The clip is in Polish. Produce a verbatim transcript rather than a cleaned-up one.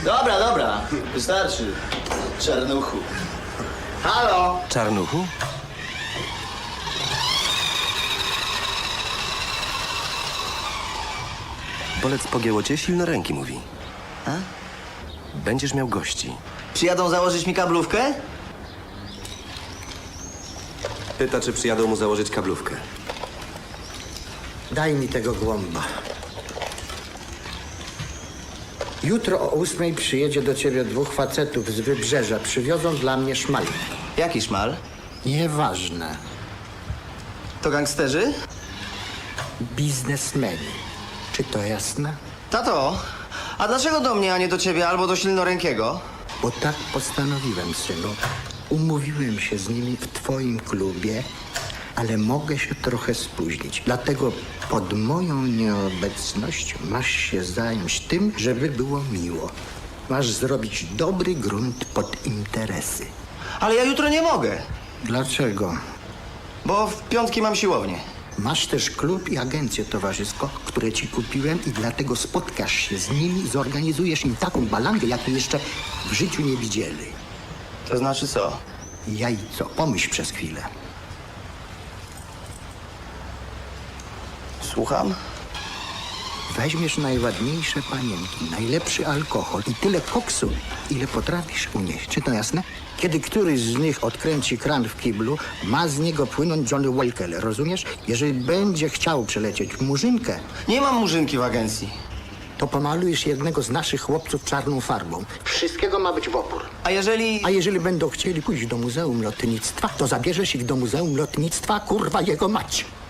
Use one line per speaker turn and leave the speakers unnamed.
Dobra, dobra, wystarczy. Czarnuchu. Halo?
Czarnuchu? Bolec pogięło cię, silnoręki mówi.
A?
Będziesz miał gości.
Przyjadą założyć mi kablówkę?
Pyta, czy przyjadą mu założyć kablówkę.
Daj mi tego głąba. Jutro o ósmej przyjedzie do ciebie dwóch facetów z wybrzeża. Przywiozą dla mnie szmal.
Jaki szmal?
Nieważne.
To gangsterzy?
Biznesmeni. Czy to jasne?
Tato, a dlaczego do mnie, a nie do ciebie albo do silnorękiego?
Bo tak postanowiłem, synu. Umówiłem się z nimi w twoim klubie, ale mogę się trochę spóźnić. Dlatego pod moją nieobecność masz się zająć tym, żeby było miło. Masz zrobić dobry grunt pod interesy.
Ale ja jutro nie mogę,
Dlaczego?
bo w piątki mam siłownię.
Masz też klub i agencję towarzysko, które ci kupiłem i dlatego spotkasz się z nimi i zorganizujesz im taką balangę, jakiej jeszcze w życiu nie widzieli.
To znaczy co?
Jajco, pomyśl przez chwilę.
Słucham?
Weźmiesz najładniejsze panienki, najlepszy alkohol i tyle koksu, ile potrafisz unieść. Czy to jasne? Kiedy któryś z nich odkręci kran w kiblu, ma z niego płynąć Johnny Walker, rozumiesz? Jeżeli będzie chciał przelecieć murzynkę,
Nie mam murzynki w agencji.
to pomalujesz jednego z naszych chłopców czarną farbą. Wszystkiego ma być w opór.
A jeżeli...
A jeżeli będą chcieli pójść do Muzeum Lotnictwa, to zabierzesz ich do Muzeum Lotnictwa, kurwa jego mać.